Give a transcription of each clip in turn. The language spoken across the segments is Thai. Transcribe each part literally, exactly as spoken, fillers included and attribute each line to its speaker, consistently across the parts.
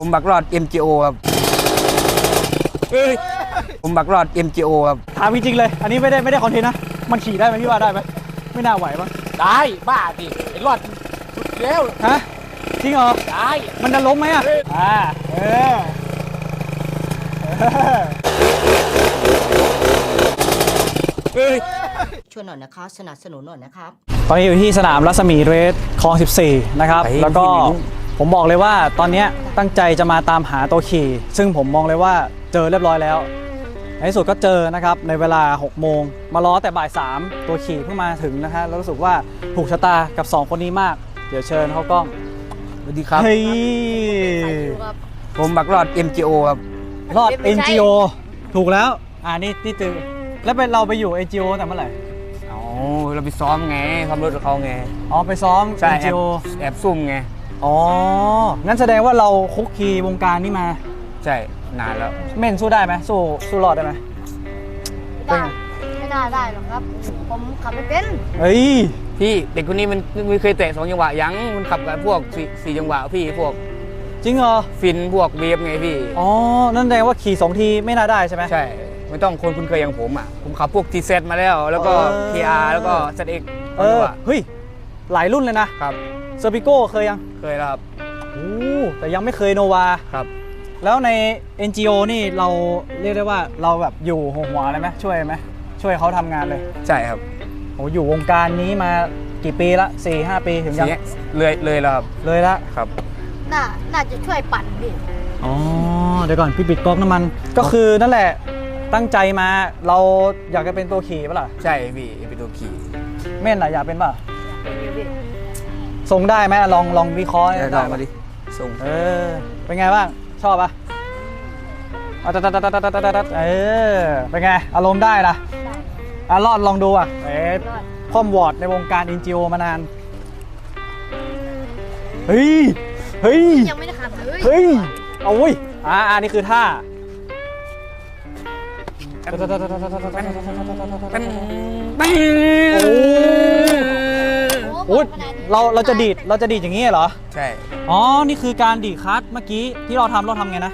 Speaker 1: ผมบักรอด เอ็ม จี โอ ครับผมบักรอด เอ็ม จี โอ ครับ
Speaker 2: ถามจริงๆเลยอันนี้ไม่ได้ไม่ได้คอนเทนต์นะมันขี่ได้ไหมพี่ว่าได้ไหมไม่น่าไหวปะ
Speaker 3: ได้บ้าดิไอ้รอดสุดแล้ว
Speaker 2: ฮะจริงเหรอ
Speaker 3: ได้
Speaker 2: มันจะล้มไหมอ่ะอ่าเออ
Speaker 4: ช่วยหน่อยนะคะสนับสนุนหน่อยนะครับ
Speaker 2: ตอนนี้อยู่ที่สนามรัศมีเรสคลองสิบสี่นะครับแล้วก็ผมบอกเลยว่าตอนนี้ตั้งใจจะมาตามหาตัวขี่ซึ่งผมมองเลยว่าเจอเรียบร้อยแล้วในที่สุดก็เจอนะครับในเวลาหกโมงมารอแต่บ่ายสามตัวขี่เพิ่งมาถึงนะฮะแล้วรู้สึกว่าถูกชะตากับสองคนนี้มากเดี๋ยวเชิญเข้ากล้อง
Speaker 1: สวัสดีครับ
Speaker 2: เฮ้ย
Speaker 1: ผมบักรอด เอ็ม จี โอ ครับ
Speaker 2: รอด เอ็น จี โอ ถูกแล้วอ่านี่นี่ตือแล้วเป็นเราไปอยู่ เอ็น จี โอ แต่เมื่อไหร่
Speaker 1: อ๋อเราไปซ้อมไงซ้อมรถกับเขาไง
Speaker 2: อ๋อไปซ้อม
Speaker 1: ใช่
Speaker 2: เอ็น จี โอ
Speaker 1: แอบซุ่มไง
Speaker 2: อ๋องั้นแสดงว่าเราคุกคีวงการนี่มา
Speaker 1: ใช่นานแล้ว
Speaker 2: เม่นสู้ได้ไหมสู้สู้รอดได้ไหม
Speaker 5: ไม่ได้ไม่น่าได้หรอกครับผมขับไม่เป็น
Speaker 2: เฮ้ย
Speaker 1: พี่เด็กคนนี้มันไม่เคยเตะสองจังหวะยังมันขับกับพวกสี่สี่จังหวะพี่พวก
Speaker 2: จริงเหรอ
Speaker 1: ฟินพวกเวฟไงพี่
Speaker 2: อ๋อนั่นแสดงว่าขี่สองทีไม่น่าได้ใช่ไหม
Speaker 1: ใช่ไม่ต้องคนคุ้นเคยอย่างผมอ่ะผมขับพวก ที เซด มาแล้วแล้วก็ พี อาร์ แล้วก็ แซด เอ็กซ์
Speaker 2: เออเฮ้ยหลายรุ่นเลยนะครับเซอร์ปิโก้เคยยัง
Speaker 1: เคยแล้วครับ
Speaker 2: โอ้แต่ยังไม่เคยโนวา
Speaker 1: ครับ
Speaker 2: แล้วใน เอ็น จี โอ นี่เราเรียกได้ว่าเราแบบอยู่หัวหัวเลยไหมช่วยไหมช่วยเขาทำงานเลย
Speaker 1: ใช่ครับ
Speaker 2: โอ้อยู่วงการนี้มากี่ปีละสี่ห้าปีถึงยัง
Speaker 1: เลยเลยแล้วครับ
Speaker 2: เลยละ
Speaker 1: ครับ
Speaker 5: น่าน่าจะช่วยปั่นพี่
Speaker 2: อ๋อเดี๋ยวก่อนพี่ปิดก๊อกน้ำมันก็คือนั่นแหละตั้งใจมาเราอยากจะเป็นตัวขี่ป่ะล่ะ
Speaker 1: ใช่พี่เป็นตัวขี่
Speaker 2: เม่นล่ะอยากเป็นป่ะ
Speaker 5: เป็นอยู่พี่
Speaker 2: ส่งได้ไหมลองลองวิเคราะห์
Speaker 1: ได้มาดิส่ง
Speaker 2: เออเป็นไงบ้างชอบป่ะตัดตัดตัดตัดตัดตัดเออเป็นไงอารมณ์ได้นะอ่ะรอดลองดูอ่ะเอ๊ะคอมวอร์ดในวงการ เอ็น จี โอ มานานเฮ้ยเฮ้ย
Speaker 5: ยังไม่ได้ขับเลย
Speaker 2: เฮ้ยเอาเว้ยอ่าอันนี้คือท่าโอ้โหเราเราจะดีดเราจะดีดอย่างนี้เหรอ
Speaker 1: ใช่
Speaker 2: อ๋อนี่คือการดีดคัทเมื่อกี้ที่เราทำเราทำไงนะ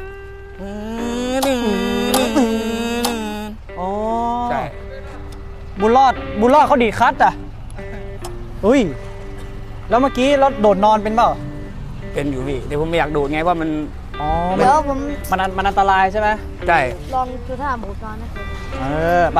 Speaker 2: อ๋อ
Speaker 1: ใช่
Speaker 2: บุญรอดบุญรอดเขาดีดคัทอ่ะอุ้ยแล้วเมื่อกี้เราโดดนอนเป็นเปล่า
Speaker 1: เป็นอยู่พี่เดี๋ยวผมไม่อยากโดดไงว่ามัน
Speaker 2: อ๋อ
Speaker 5: เดี๋ยวผม
Speaker 2: มันมันอันตรายใช่ไหม
Speaker 1: ใช่
Speaker 5: ลองดูท่าหมูกรอนนะครับ
Speaker 2: เออป่ะ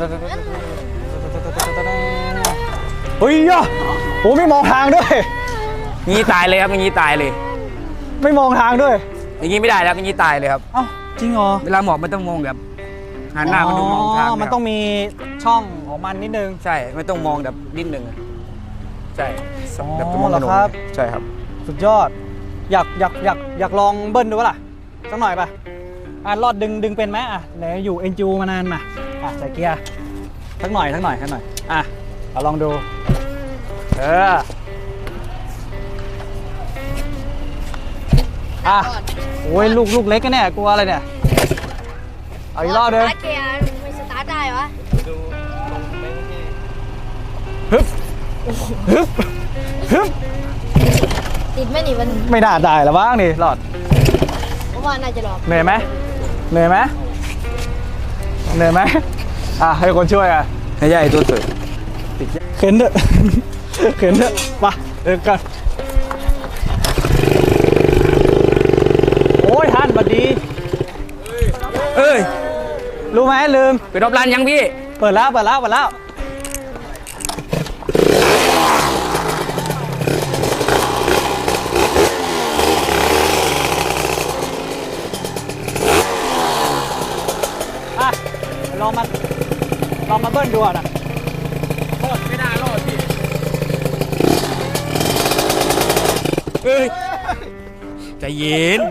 Speaker 2: เฮ้ยอ่ะโอ้ไม่มองทางด้วย
Speaker 1: งี้ตายเลยครับงี้ตายเลย
Speaker 2: ไม่มองทางด้วย
Speaker 1: อย่างงี้ไม่ได้แล้วงี้ตายเลยครับ
Speaker 2: เอ้าจริงเหรอ
Speaker 1: เวลาหมอบมันต้องมองแบบหันหน้ามันต้องมองทาง
Speaker 2: มันต้องมีช่องของมันนิดนึง
Speaker 1: ใช่ไม่ต้องมองแบบนิดนึงใช่
Speaker 2: แบบมองครับ
Speaker 1: ใช่ครับ
Speaker 2: สุดยอดอยากอยากอยากอยากลองเบิ้ลดูป่ะล่ะสักหน่อยป่ะอ่ะรอดดึงดึงเป็นไหมอ่ะไหนอยู่ เอ็น จี โอ มานานมาอ่ะใส่เกียร์สักหน่อยสักหน่อยสักหน่อยอ่ะเราลองดูเอออ่ะโอ้ยลูกลูกเล็กกันเนี่ยกลัวอะไรเนี่ยเอาอีกรอบเดิม
Speaker 5: สตาร์ทเกียร์ไม่สตาร์ทได้วะ
Speaker 2: ฮึบฮึบฮึบ
Speaker 5: ติดไหมนี่มัน
Speaker 2: ไม่น่าได้แล้วบ้างนี่รอด
Speaker 5: ผมว่าน่าจะหลอก
Speaker 2: เหนื่อยไหมเหนื่อยไหมเหนื่อยไหมอ่ะให้คนช่วยอ่ะ
Speaker 1: ให้ใหญ่ตัวสุด
Speaker 2: เข็นเถอะเข็นเถอะมาเดินกันโอ้ยท่านบัดดี
Speaker 1: เอ้ย
Speaker 2: รู้ไหมลืม
Speaker 1: เปิดรอบร้านยังพี่
Speaker 2: เปิดแล้วเปิดแล้วเปิดแล้วลองมาลองมาเบิ้ลดูอ่ะนะ
Speaker 1: รอดไม่น่ารอดพี่เฮ้ยใจเย็น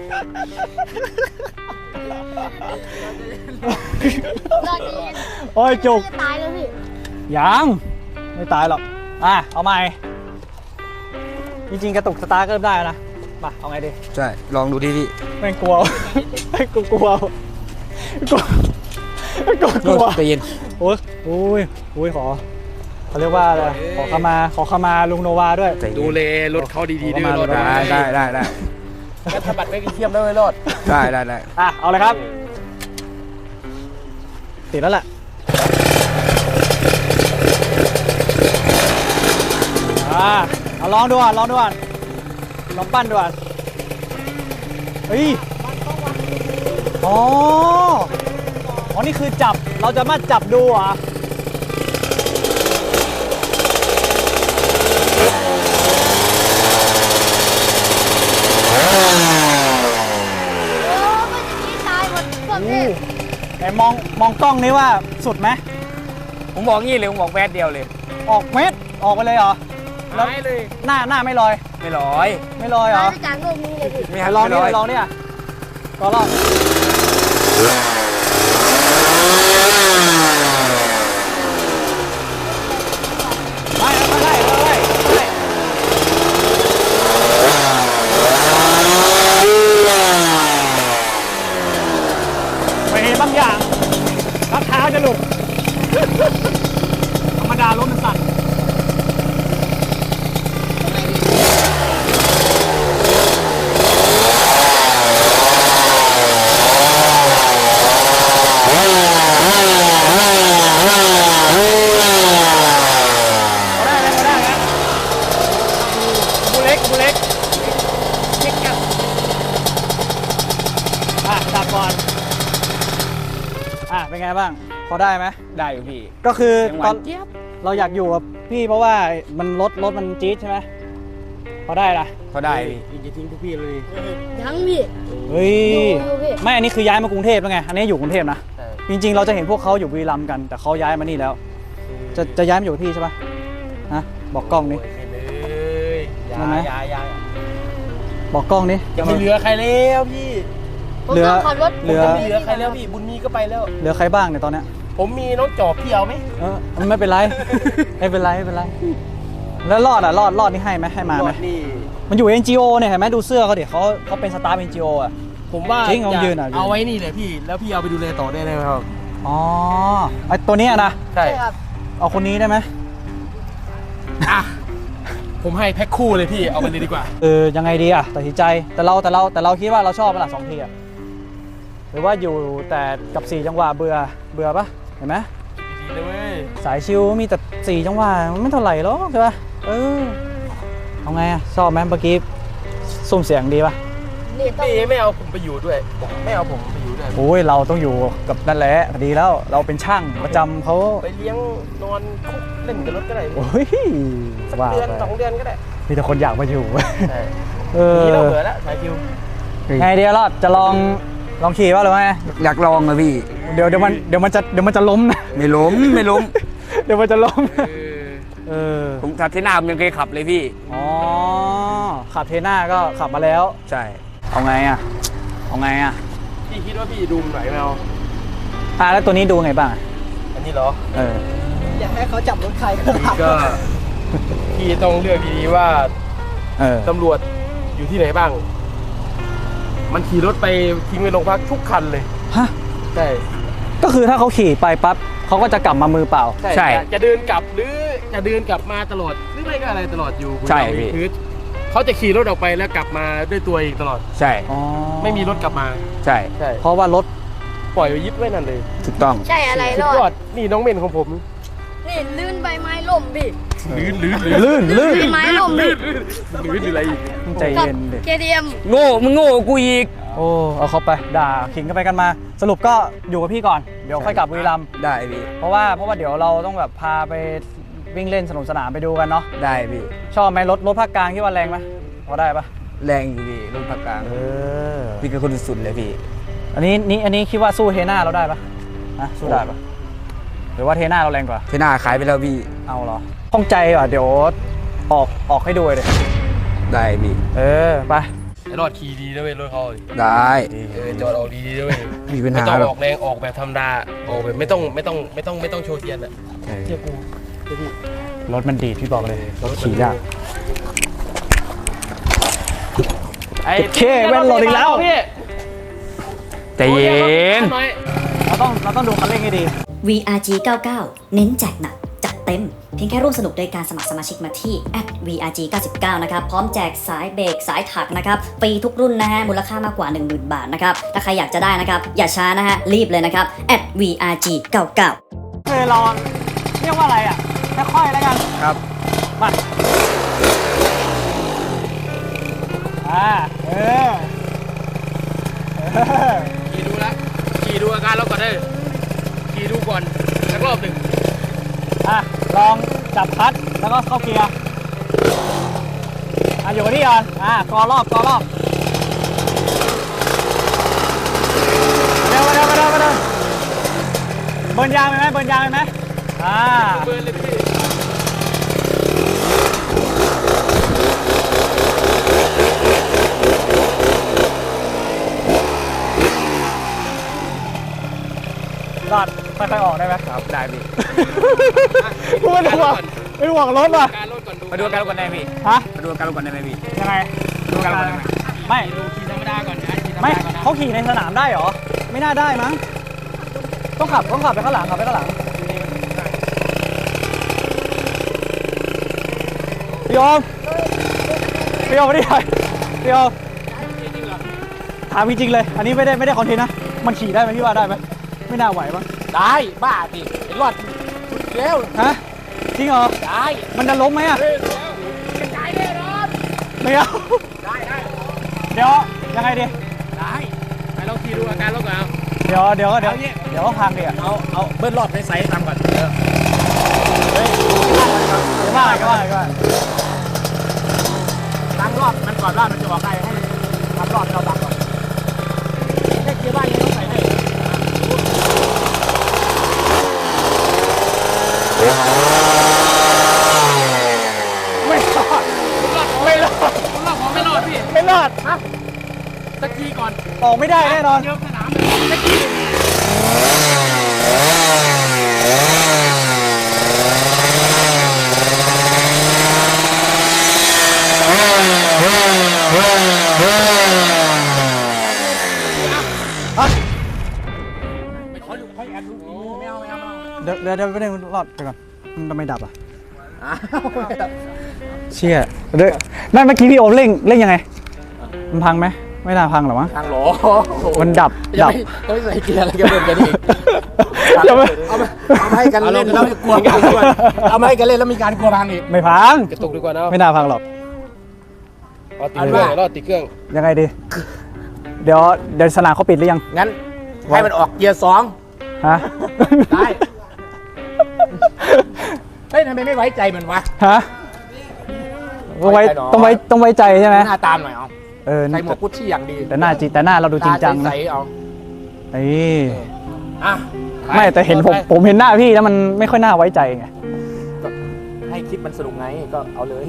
Speaker 5: รอดเย็น
Speaker 2: โอ้ยจุก
Speaker 5: ตายแล้วพี่
Speaker 2: ยังไม่ตายหรอกอ่ะเอาใหม่จริงๆกระตุกสตาร์ทก็ได้นะมาเอาไงดี
Speaker 1: ใช่ลองดูที่ที่
Speaker 2: ไม่กลัวไม่กลัวกลัวกลัวกลัว
Speaker 1: ใจเย็น
Speaker 2: โอ้ยโอ้ยโอ้ยขอเขาเรียกว่าอะไรขอขมาขอขมาลุงโนวาด้วย
Speaker 3: ดูเลรถเขาดีๆด้วยรถ
Speaker 1: ได้ได้ได้ได้
Speaker 3: งั้นสะบัดไปเทียมได้ไหมรอด
Speaker 1: ได้ได้ได้
Speaker 2: อ่ะเอาเลยครับติดแล้วแหละอ่าเอาลองดูอ่ะลองดูอ่ะลองปั้นดูอ่ะเฮ้ยอ๋ออ๋อนี่คือจับเราจะมาจับดูอ่ะ
Speaker 5: โอ้ไม่จะนี้ตายหมดพวกนี้
Speaker 2: ไหนมองมองกล้องนี้ว่าสุดไหม
Speaker 1: ผมบอกงี้เลยผมบอกแวดเดียวเลย
Speaker 2: ออกเม็ดออกไปเลยเหรอ
Speaker 3: หายเลย
Speaker 2: หน้าหน้าไม่ลอย
Speaker 1: ไม่ร้อย
Speaker 2: ไม่ลอยเหร
Speaker 5: ตาย
Speaker 2: อ
Speaker 5: ไปจากโลกนี้เลยพี่
Speaker 1: ไม่
Speaker 2: ไหน
Speaker 1: ให้
Speaker 2: ลอง
Speaker 1: ไม่
Speaker 2: นี่
Speaker 1: ร้อย
Speaker 2: ลองนี่อ่ะก็ลองไม่ไม่ได้ไม่ได้ไม่ได้ไม่เห็นบางอย่างรักเท้าจะหลุด ธรรมดารถมันสั่นได้ไหมได้ไหมบูเล็กบูเล็กเล็กกับอ่ะจับก่อนอ่ะเป็นไงบ้างพอได้ไหม
Speaker 1: ได้อยู่พี่
Speaker 2: ก็คือ
Speaker 1: เสียงห
Speaker 2: ตอ
Speaker 1: วาน นเจี๊ยบ
Speaker 2: เราอยากอยู่กับพี่เพราะว่ามันรถรถมันจี๊ดใช่ไหมพอได้ละ
Speaker 1: เขาได้พี่
Speaker 3: อีกจะทิ้งทุกพี่เลย
Speaker 5: ยังพี่
Speaker 2: เฮ้ย
Speaker 5: อยู่พี่
Speaker 2: ไม่อันนี้คือย้ายมากรุงเทพแล้วไงอันนี้อยู่กรุงเทพนะ
Speaker 3: ใช่
Speaker 2: จริงๆ เราจะเห็นพวกเขาอยู่บุรีรัมย์กัน แต่เขาย้ายมานี่แล้ว จะจะย้ายมาอยู่กับพี่ใช่ปะฮะบอกกล้องนี้
Speaker 3: โยเลยอยา
Speaker 2: ได้ไหม
Speaker 3: อยาอยา
Speaker 2: บอกกล้องนี้
Speaker 3: จะไม่เหลือใครแล้วพี่
Speaker 5: ผม
Speaker 2: เหลือ
Speaker 5: ต้องขับรถ
Speaker 2: เหลือ
Speaker 3: จะไม่เหลือใครแล้วพี่บุญมีก็ไปแล้ว
Speaker 2: เหลือใครบ้างเนี่ยตอนเนี้ย
Speaker 3: ผมมีน้องจอบพี่เอาไหม
Speaker 2: เออไม่เป็นไร ไม่เป็นไรไม่เป็นไร แล้วรอดอ่ะรอดรอดนี่ให้ไหมให้มาไหม
Speaker 3: รอดนี่
Speaker 2: มันอยู่ เอ็น จี โอ เนี่ยเห็นไหมดูเสื้อเขาดิเขาเขาเป็นสตาฟ เอ็น จี โอ อ่ะ
Speaker 3: ผมว่า
Speaker 2: จริงเอา
Speaker 3: อยาก
Speaker 2: ยืนอ่ะยืน
Speaker 3: เอาไว้นี่เลยพี่ แล้วพี่เอาไปดูแลต่อได้ไหมครับ
Speaker 2: อ๋อไอตัวเนี้ยนะ
Speaker 3: ใช่
Speaker 5: ใช่ครับ
Speaker 2: เอาคนนี้ได้ไหม
Speaker 3: อ่ะผมให้แพ็คคู่เลยพี่เอาไปเลยดีกว่า
Speaker 2: เออยังไงดีอ่ะตัดสินใจแต่เราแต่เราแต่เราคิดว่าเราชอบเวลาสองทีอ่ะหรือว่าอยู่แต่กับสี่จังหวะเบื่อเบื่อปะเห็นไหม
Speaker 3: ดีเลยเว้ย
Speaker 2: สายชิวมีแต่สี่จังหวะมันไม่เท่าไหร่หรอกใช่ปะเออเอาไงอ่ะชอบไหมเมื่อกี้ซุ่มเสียงดีปะ
Speaker 5: นี่ต้อง
Speaker 3: พี่ไม่เอาผมไปอยู่ด้วย ไม่เอาผมไปอยู่ด้วย
Speaker 2: โอ้ยเราต้องอยู่กับนั่นแหละดีแล้วเราเป็นช่างประจำเขา
Speaker 3: ไปเลี้ยงนอนคุกเล่นกับรถก็ได้
Speaker 2: โอ้ย
Speaker 3: สัก
Speaker 2: ว่า
Speaker 3: เดือน
Speaker 2: ไป
Speaker 3: สองเดือนก็ได้
Speaker 2: มีแต่คนอยากมาอยู่
Speaker 3: ใช่
Speaker 2: เออ
Speaker 3: นี่เราเบื่อแล้วสายคิว
Speaker 2: ไงเดียวรอดจะลองลองขี่ป่ะหรือไง
Speaker 1: อยากลองเลยพี่
Speaker 2: เดี๋ยวเดี๋ยวมันเดี๋ยวมันจะเดี๋ยวมันจะล้มนะ
Speaker 1: ไม่ล้มไม่ล้ม
Speaker 2: เดี๋ยวมันจะล้ม
Speaker 3: เออ
Speaker 2: เออ
Speaker 1: ผมทัดที่หน้าผมยังเคยขับเลยพี่
Speaker 2: อ๋อขับเทน่าก็ขับมาแล้ว
Speaker 1: ใช่
Speaker 2: เอาไงอ่ะเอาไงอ่ะ
Speaker 3: พี่คิดว่าพี่ดูมไหนไม่เอา
Speaker 2: อ่ะแล้วตัวนี้ดูไงบ้างอ่ะ
Speaker 3: อันนี้เหรอ
Speaker 2: เออ
Speaker 4: อยากให้เขาจับรถใครก็
Speaker 3: อันนี้ก็พี่ต้องเลือกดีๆว่า
Speaker 2: เออ
Speaker 3: ตำรวจอยู่ที่ไหนบ้าง มันขี่รถไปทิ้งไว้โรงพักทุกคันเลย
Speaker 2: ฮะ
Speaker 3: ใช่
Speaker 2: ก็คือถ้าเขาขี่ไปปั๊บเขาก็จะกลับมามือเปล่า
Speaker 1: ใช่
Speaker 3: จะจะเดินกลับหรือจะเดินกลับมาตลอดหรือไม่ก็อะไรตลอดอยู่
Speaker 1: ใช่
Speaker 3: คุณ
Speaker 1: พี่
Speaker 3: คือเขาจะขี่รถออกไปแล้วกลับมาด้วยตัวเองตลอด
Speaker 1: ใช่
Speaker 2: อ๋อ
Speaker 3: ไม่มีรถกลับมา
Speaker 1: ใช่
Speaker 3: ใช่
Speaker 2: เพราะว่ารถ
Speaker 3: ปล่อยไว้ยึดไว้นั่นเลย
Speaker 1: ถูกต้อง
Speaker 5: ใช่อะไร
Speaker 3: สุ
Speaker 5: ร
Speaker 3: ด
Speaker 5: อย
Speaker 3: อ
Speaker 5: ด
Speaker 3: ดนี่น้องเมนของผม
Speaker 5: นี่ลื่นใบไม้ล่มพี่
Speaker 3: ลื่นลื่น
Speaker 2: ลื่นลื่น
Speaker 5: ใบไม้ล่มพี่
Speaker 3: ลื่นอะไรอีก
Speaker 2: ใจ
Speaker 5: กับ
Speaker 2: เย็นดิ
Speaker 5: เคดีเอ็ม
Speaker 1: โง่มึงโง่กว่ากูอีก
Speaker 2: โอ้เอาเขาไปด่าขิงกันไปกันมา สรุปก็อยู่กับพี่ก่อนเดี๋ยวค่อยกลับบุรีรัมย์
Speaker 1: ได้พี่
Speaker 2: เพราะว่าเพราะว่าเดี๋ยวเราต้องแบบพาไปวิ่งเล่นสนุกสนานไปดูกันเนาะ
Speaker 1: ได้พี่
Speaker 2: ชอบไหมรถรถภาคกลางคิดว่าแรงไหมพอได้ปะ
Speaker 1: แรงอยู่พี่รถภาคกลาง
Speaker 2: เออ
Speaker 1: พี่คือคนสุดๆเลยพี่
Speaker 2: อันนี้นี่อันนี้คิดว่าสู้เทน่าเราได้ปะนะสู้ได้ปะหรือว่าเทน่าเราแรงกว่า
Speaker 1: ที่หน้าขายไปแล้วพี่
Speaker 2: เอาเหรอข้องใจว่ะเดี๋ยวออกออกให้ดูเลย
Speaker 1: ได้พี่
Speaker 2: เออไป
Speaker 3: ไอ้รอดขี่ดีนะเว้ยรถเขาดิ
Speaker 1: ได้
Speaker 3: เออจอดออกดีๆด้วย
Speaker 1: มีปัญ
Speaker 3: ไม่
Speaker 1: หา
Speaker 3: ต้อง
Speaker 1: หร
Speaker 3: อ
Speaker 1: อ
Speaker 3: อก กแรงออกแบบธรรมดาออกแบบไม่ต้องไม่ต้องไม่ต้องไม่ต้องโชว์เทียนอ่ะเทียบกูเทียบพี่
Speaker 2: รถมันดีดพี่บอกเลยรถขี่ยาก
Speaker 3: ไอ้
Speaker 2: เคแว่นหล่นอีกแล้ว
Speaker 3: พี่
Speaker 1: ใจเย็น
Speaker 3: หน่อย
Speaker 2: เราต้องเราต้องดูคันเร่งให้ดี
Speaker 6: วี อาร์ จี เก้าสิบเก้า เน้นแจกหนักจัดเต็มเต็มเพียงแค่ร่วมสนุกโดยการสมัครสมาชิกมาที่ แอท วี อาร์ จี เก้าสิบเก้า นะครับพร้อมแจกสายเบรกสายถักนะครับฟรีทุกรุ่นนะฮะมูลค่ามากกว่า หนึ่งหมื่น บาทนะครับถ้าใครอยากจะได้นะครับอย่าช้านะฮะรีบเลยนะครับ แอท วี อาร์ จี เก้าสิบเก้า
Speaker 2: คือเราเรียกว่าอะไรอ่ะค่อยๆแล้วกัน
Speaker 1: ครับ
Speaker 2: มาอ่าเออเออ
Speaker 3: ขี่ดูแล้วขี่ดูอาการเราก่อนได้ขี่ดูก่อนสักรอบหนึ่ง
Speaker 2: อ่ะลองจับคลัตช์แล้วก็เข้าเกียร์อ่ะอยู่กับที่ก่อนอ่ะกอรอบกอรอบเร็วมาเร็วมาเร็วมาเร็วเบิร์นยางไปไหมเบิร์นยางไปไหมอ่า
Speaker 3: เบิร์นเลยพี่
Speaker 2: รอดค่อยๆออกได้ไหม
Speaker 1: ครับได้พี่
Speaker 2: ไม่ห่วงไม่ห่วงรถว่ะ
Speaker 3: การรถก่อนดู
Speaker 1: มาดูอาการรถก่อนได้ไหมพี่
Speaker 2: ฮะ
Speaker 1: มาดูอาการรถก่อนได้ไหมพี่
Speaker 2: ยังไง
Speaker 1: ดูอาการรถก่อนได้ไหม
Speaker 2: ไม่
Speaker 3: ดูขี่ธรรมดาก่อนนะขี่ธรรม
Speaker 2: ไม่
Speaker 3: ดาก่อนนะ
Speaker 2: เขาขี่ในสนามได้เหรอ ไม่น่าได้มั้งต้องขับต้องขับไปข้างหลังขับไปข้างหลังพี่โอมพี่โอมไม่ได้พี่โอมถามจริงๆเลย อันนี้ไม่ได้ไม่ได้คอนเทนต์นะ มันขี่ได้ไหมพี่ว่าได้ไหมไม่น่าไหวมั้ง
Speaker 3: ได้บ้าดิเห็นรอดเร็ว
Speaker 2: ฮะจริงเหรอ
Speaker 3: ได้
Speaker 2: มันจะล้มไหมอะ
Speaker 3: เร็วกระจายแน่นอน
Speaker 2: ไม่เอา
Speaker 3: ได้ได้
Speaker 2: เดี๋ยวยังไงดี
Speaker 3: ได้ไปลองขี่ดูอาการรถก่อนเอา
Speaker 2: เดี๋ยวเดี๋ยวเดี๋ยวเดี๋ยวก็พังดิอะ
Speaker 3: เอาเอาเบิ้ลรอบในไซส์ทำก่อนเออ
Speaker 2: เดี๋ยวว่าอะไรก็ว่าอะไรก็ว่า
Speaker 3: ตั้งรอบมันก่อนรอบมันจะบอกได้ให้ทำรอบให้เราตั้งก่อนแค่เกียร์บ้านยังต้องใส่ให้
Speaker 2: ไม่รอดไม่รอด
Speaker 3: รอบของไม่รอดพี่
Speaker 2: ไม่รอด
Speaker 3: ตะกี้ก่อน
Speaker 2: ออกไม่ได้แน่นอน
Speaker 3: เยอะสนามตะกี้ ไม่ขอดูขอแอดดูไม่เอาไม่เอา
Speaker 2: เดี๋ยวเดี๋ยวเดี๋ยวไม่ได้รอดไปก่อนมันทำไมดับอ่ะเชี่ยเดี๋ยวนั่นเมื่อกี้พี่โอมเร่งเร่งยังไงมันพังไหมไม่น่าพังหรอมั้ง
Speaker 3: ทางหลอ
Speaker 2: มันดับ
Speaker 3: ยั
Speaker 2: ดั
Speaker 3: ง
Speaker 2: บ
Speaker 3: ไม่ต้องใส่เกียร์อะไรกันเล่นกันอีก
Speaker 2: อย่าไป
Speaker 3: เอามาเอามาให้กันเล่นแล้วกลัวกันด้วยเอามาให้กันเล่นแล้วมีการกลัวพังอีก
Speaker 2: ไม่พัง
Speaker 3: กระตุกดีกว่าเนาะ
Speaker 2: ไม่น่าพังหรอก
Speaker 3: รอติดเครื่องรอติดเครื่อง
Speaker 2: ยังไงดี เดี๋ยวเดี๋ยวสนามเขาปิดหรือยัง
Speaker 3: งั้นให้มันออกเกียร์สอง
Speaker 2: ฮะ
Speaker 3: ได้เฮ้ยทำไมไม่ไว้ใจมันวะ
Speaker 2: ฮะต้องไว้ต้องไว้ต้องไว้ใจใช่ไหม
Speaker 3: หน้าตามหน่อยเอา
Speaker 2: เออ
Speaker 3: ใส่หมวกกุชชี่อย่างดี
Speaker 2: แต่หน้าจริงแต่หน้าเราดูจริงจังนะ
Speaker 3: ใสๆเอา
Speaker 2: เอ้ย
Speaker 3: อ่ะ
Speaker 2: ไม่แต่เห็นผมผมเห็นหน้าพี่แล้วมันไม่ค่อยน่าไว้ใจไง
Speaker 3: ให้คลิปมันสนุกไงก็เอาเลย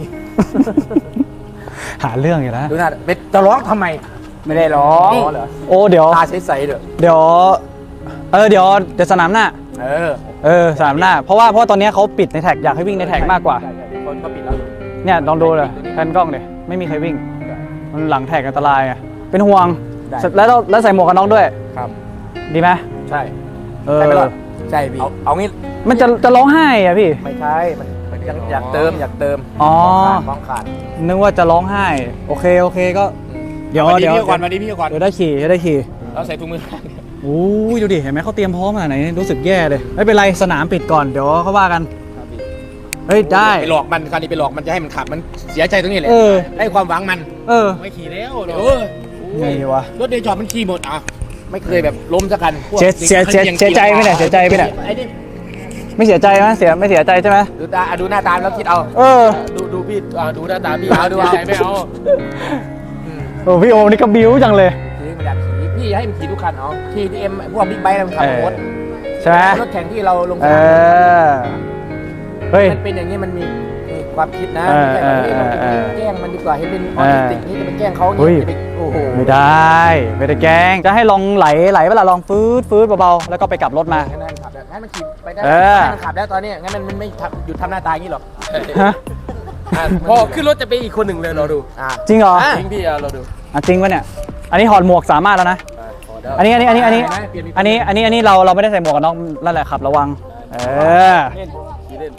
Speaker 2: หาเรื่องอยู่นะ
Speaker 3: ดูหน้าเป็นจะร้องทำไม
Speaker 1: ไม่ได้ร้อง
Speaker 3: เหรอ
Speaker 2: โอ้เดี๋ยว
Speaker 3: ตาใสๆเด้อ
Speaker 2: เดี๋ยวเออเดี๋ยวเดี๋ยวสนามหน้า
Speaker 3: เออ
Speaker 2: เออสนามหน้า เพราะว่าเพราะว่าตอนนี้เขาปิดในแท็กอยากให้วิ่งในแท็กมากกว่า
Speaker 3: ใช่ๆคนก็ปิดแล้ว
Speaker 2: เนี่ยลองดูเลยแพนกล้องเลยไม่มีใครวิ่ง มันหลังแท็กอันตรายไงเป็นห่วง
Speaker 3: ได้
Speaker 2: แล้วเราแล้วใส่หมวกกันน็อกด้วย
Speaker 3: ครับ
Speaker 2: ดีไหม
Speaker 3: ใช่
Speaker 2: เออ
Speaker 3: ใช่ไหมล่ะใช่พี่เอาเอางี้
Speaker 2: มันจะจะร้องไห้อะพี่
Speaker 3: ไม่ใช่มันมันยังอยากเติมอยากเติม
Speaker 2: อ๋อ
Speaker 3: ของขาด
Speaker 2: นึกว่าจะร้องไห้ โอเคโอเคก็ เดี๋ยว
Speaker 3: วันนี้
Speaker 2: เดี๋ยว
Speaker 3: พี่ก่อนวันนี้พี่ก่อน
Speaker 2: เดี๋ยวได้ขี่เดี๋ยวได้ขี่
Speaker 3: เราใส่ถุงมือ
Speaker 2: โอ้ยดูดิเห็นไหมเขาเตรียมพร้อมขนาดไหนรู้สึกแย่เลยไม่เป็นไรสนามปิดก่อนเดี๋ยวเขาว่ากันเฮ้ยได้
Speaker 3: ไปหลอกมันคราวนี้ไปหลอกมันจะให้มันขับมันเสียใจตรงนี้แหละ
Speaker 2: เออ
Speaker 3: ให้ความหวังมัน
Speaker 2: เออ
Speaker 3: ไม่ขี่แล้วเออ
Speaker 2: ไงวะ
Speaker 3: รถเดย์จอดมันขี่หมดอ่ะไม่เคยแบบล้มสักคันพวก
Speaker 2: เสียเสียเสียเสียใจไหมเนี่ยเสียใจไหมเนี่ย
Speaker 3: ไอ้นี่
Speaker 2: ไม่เสียใจไหมเสียไม่เสียใจใช่ไหม
Speaker 3: ดูตาอ่ะดูหน้าตาแล้วคิดเอา
Speaker 2: เออ
Speaker 3: ดูดูพี่อ่ะดูหน้าตาพี่เอาดูเอาไม่เอา
Speaker 2: โอ้พี่โอมนี่ก็บิ้วจังเลย
Speaker 3: ขี่มันอยากขี่พี่ให้มันขี่ทุกคันเอาขี่ทีเอ็มพวกบิ๊กไบค์มันขับรถ
Speaker 2: ใช่ไหม
Speaker 3: รถแข่งที่เราลงส
Speaker 2: เอน
Speaker 3: าม
Speaker 2: อเฮ้ย
Speaker 3: มันเป็นอย่างนี้มันมีมีความคิดนะ
Speaker 2: เออ
Speaker 3: ไม่ใช่แบบเฮ้ยเราจะไป
Speaker 2: เออ
Speaker 3: แกล้งมันดีกว่าเห็นเป็นอ
Speaker 2: เอ
Speaker 3: อ
Speaker 2: อ
Speaker 3: ทิสติกนี่จะไปแกล้งเขาอย่าง
Speaker 2: เฮ้ย
Speaker 3: นี้จะไปโอ้โห
Speaker 2: ไม่ได้ไม่ได้แกล้งจะให้ลองไหลไหลเวลาลองฟืดฟืดเบาๆแล้วก็ไปกลับรถมา
Speaker 3: งั้นมันขับได้งั้นมันขี่ไปได้
Speaker 2: เออ
Speaker 3: ให้มันขับได้ตอนนี้งั้นมันมันไม่ทำหยุดทำหน้าตาอย่างนี้หรอก
Speaker 2: ฮะ
Speaker 3: อ่ะพอขึ้นรถจะไปอีกคนหนึ่งเลยเราดูอ่ะ
Speaker 2: จริงเหรอ
Speaker 3: จริงพี่อ่ะเราดู
Speaker 2: อ่ะจริงปะเนี่ยอันนี้ถอดหมวกสามารถแล้วนะ
Speaker 3: อ่ะพอได้
Speaker 2: อันนี้อันนี้อันนี้อันนี้
Speaker 3: เปลี่ยนมี
Speaker 2: อันนี้อันนี้อันนี้เราเราไม่ได้ใส่หมวกกันน็อกนั่นแหละครับระวังเออ
Speaker 3: เล่นขี่เล่น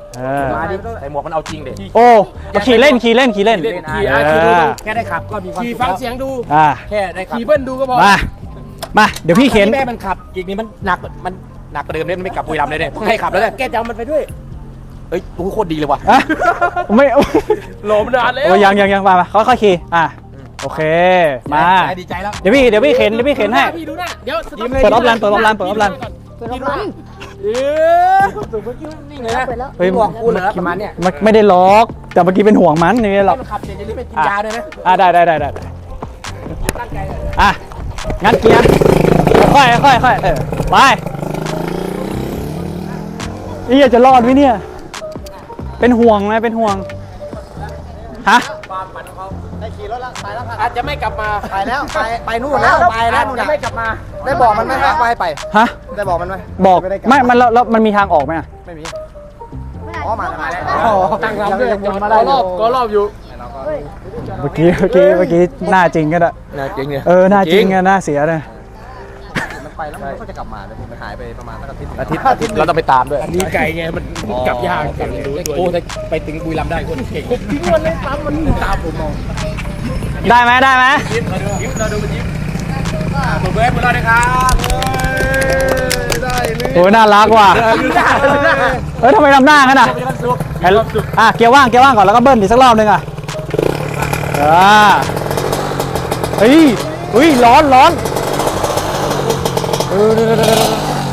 Speaker 2: เออ
Speaker 3: มาดิใส่หมวกมันเอาจริงเด็ก
Speaker 2: โอ้มาขี่เล่นขี่เล่นขี่เล่น
Speaker 3: ขี่อ่ะขี่ดูดู
Speaker 1: แค่ได้ขับก็มีความ
Speaker 3: ขี่
Speaker 1: สุข
Speaker 3: ฟัง
Speaker 1: แล้ว
Speaker 3: เสียงดู
Speaker 2: อ่า
Speaker 1: แค่ได้ขับ
Speaker 3: ขี่เบิ้ลดูก็พอ
Speaker 2: มามาเดี๋ยวพี่เข็น
Speaker 1: แม่มันขับอีกนี่มันหนักมันหนักกว่าเดิมเลยมันไม่กลับบุรีรัมย์เลยเนี่ยต้องให้ขับแล้วเนี่ยแกจะเอามันไปด้วยเอ้ยโอ้โหโคตรดีเลยว่ะ
Speaker 2: อ่ะไม่
Speaker 3: โหลมนานแล้ว
Speaker 2: โอ้ยยังยังยังมามาค่อยๆขี่อ่ะโอเคมา
Speaker 1: ดีใจแล้ว
Speaker 2: เดี๋ยวพี่เดี๋ยวพี่เข็นเดี๋ยวพี่เข็นให้
Speaker 3: พี่ดูหน้าเดี๋ยว
Speaker 2: เปิดออฟไลน์เปิดออฟไลน์เปิดออฟไลน์
Speaker 5: เปิดรถมัน
Speaker 3: เออสุดเมื่อกี้นิ่งเลยนะ
Speaker 5: เปิดแล้ว
Speaker 2: เฮ้ย
Speaker 1: ห่วงกูเหรอประมาณเนี้ย
Speaker 2: มันไม่ได้ล็อกแต่เมื่อกี้เป็นห่วงมันนี่หรอก
Speaker 1: มันขับเสร็จจะรีบไปกินยาด้วยนะ
Speaker 2: อ่ะได้ได้ได้ได้
Speaker 1: ตั้งใจเลย
Speaker 2: อ่ะงั้นเกียร์ค่อยๆค่อยๆค่อยๆเออไปนี่จะรอดไหมเนี่ยเป็นห่วงไหมเป็นห่วงฮะ
Speaker 4: ได้ขี่รถแล้วไปแล้วค่ะ
Speaker 3: อาจจะไม่กลับมา
Speaker 4: ไปแล้วไปไปนู่นแล้วไปแล้วนู่น
Speaker 3: จะ
Speaker 4: น่ะ
Speaker 3: ไม่กลับมา
Speaker 4: ได้บอกมันไหมครับไปไป
Speaker 2: ฮะ
Speaker 4: ได้บอกมันไหม
Speaker 2: บอก
Speaker 4: ไม่ได้ลั
Speaker 2: ไม่มันแล้วแล้วมันมีทางออกไหมอ่ะ
Speaker 4: ไม่มี
Speaker 5: ไม่ได้
Speaker 4: อ๋อมามาแล้ว
Speaker 5: อ๋อ
Speaker 3: ตั้งลำด้วยจอดก็รอบก็รอบอยู่
Speaker 5: เฮ้ย
Speaker 2: เมื่อกี้เมื่อกี้เมื่อกี้หน้าจริงก็ได้
Speaker 3: น่าจริงเนี่ย
Speaker 2: เออหน้าจริงอะหน้าเสียเลย
Speaker 4: มันไปแล้วมันก็จะกลับมาเลยมันหายไปประมาณสักอาทิตย์
Speaker 1: อาทิตย์อาทิตย์เราต้องไปตามด้วย
Speaker 3: อันนี้ไก่ไงมันกลับยากกลับดูด้วย
Speaker 1: โอ้ถ้าไปถึงบุรีรัมย์ได้คนเก่ง
Speaker 3: ทิ้งมันเลยปั๊มมันตามผมมอง
Speaker 2: ได้ไหมได้ไหม
Speaker 3: ยิ้มยิ้มเราดูมันยิ้มตบมือให้พวกเราด้วยครับได้เลย
Speaker 2: โอ้ยน่ารักว่ะ
Speaker 3: อยู่ได้เลยนะ
Speaker 2: เฮ้ยทำไมทำหน้างั้นอ่ะเห็นอ่ะเกียร์ว่างเกียร์ว่างก่อนแล้วก็เบิ้ลอีกสักรอบหนึงอ่ะอ่าเฮ้ยเฮ้ยร้อนร้อนเออเดี๋ยวเดี๋ยวเดี๋ยวเดี๋ยว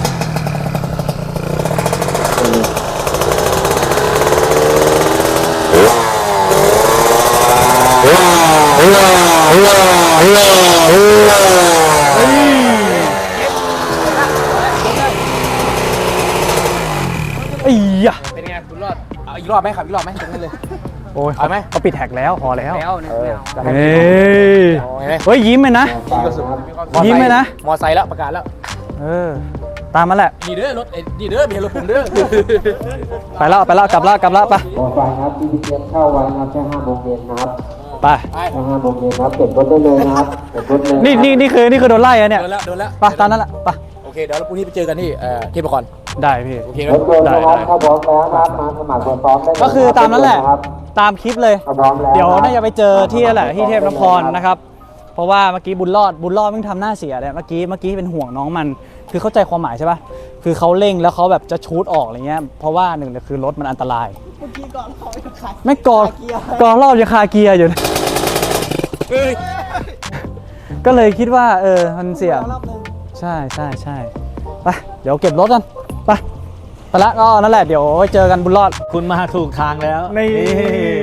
Speaker 2: ไอ้ยะ
Speaker 3: เป็นไงคุณรอด
Speaker 1: เอาอีกรอบไหมขับอีกรอบไหมตรงนั้นเลย
Speaker 2: โอ้ย
Speaker 1: เอาไหม
Speaker 2: เขาปิดแท็กแล้วพอแล้ว
Speaker 1: แล้วเนี่ยไม่เอา
Speaker 2: เฮ้ย
Speaker 1: เอาไหม
Speaker 2: เฮ้ยยิ้มเลยนะ ยิ้มไหมนะ
Speaker 1: มอไซค์แล้วประกาศแล้ว
Speaker 2: เออตามมาแหละ
Speaker 3: นี่เด้อรถไอ้นี่เด้อเมียรถผมเด้อ
Speaker 2: ไปแล้วไปแล้วกลับแล้วกลับแล้วไป
Speaker 7: ขอไฟครับที่พี่เตรียมเข้าไว้นะครับแค่ห้าโมงเย็นนะครับ
Speaker 2: ไป
Speaker 7: แค่ห้าโมงเย็นนะครับเก็บรถได้เลยนะครับเก็บรถเลย
Speaker 2: นี่นี่นี่คือนี่คือโดนไล่อะเนี่ย
Speaker 1: โดนแล้วโดนแล้ว
Speaker 2: ไปตามนั้นแหละไป
Speaker 1: โอเคเดี๋ยวเราพรุ่งนี้ไปเจอกันที่เอ่อที่ประกรณ์
Speaker 2: ได้พี่
Speaker 1: โอเคไหม
Speaker 7: รถยนต์นะครับถ้าพร้อมแล้วนะครับมาสมัครตัวพร้อมได้เลย
Speaker 2: ก็คือตามนั้นแหละ
Speaker 7: ครับ
Speaker 2: ตามคลิปเลย
Speaker 7: ถ้าพร้อมแล้ว
Speaker 2: เดี๋ยวน่าจะไปเจอที่นั่นแหละที่เทพนครนะครับ เพราะว่าเมื่อกี้บุญรอดบุญรอดมึงทำหน้าเสียเลยเมื่อกี้เมื่อกี้เป็นห่วงน้องมัน คือเข้าใจความหมายใช่ปะคือเขาเร่งแล้วเขาแบบจะชูดออกอะไรเงี้ยเพราะว่าหนึ่งเลยคือรถมันอันตราย
Speaker 4: เมื่อกี้ก่อนเขาไปขาย
Speaker 2: ไม่กอด
Speaker 4: คาเกียร์
Speaker 2: กอรอบยังคาเกียร์อยู่นะก็เลยคิดว่าเออมันเสี่ยง
Speaker 4: รอบหนึง
Speaker 2: ใช่ใช่ใช่ไปเดี๋ยวเก็บรถกันไปไปละก็นั่นแหละเดี๋ยวไว้เจอกันบุญรอด
Speaker 8: คุณมาถูกทางแล้ว
Speaker 2: นี่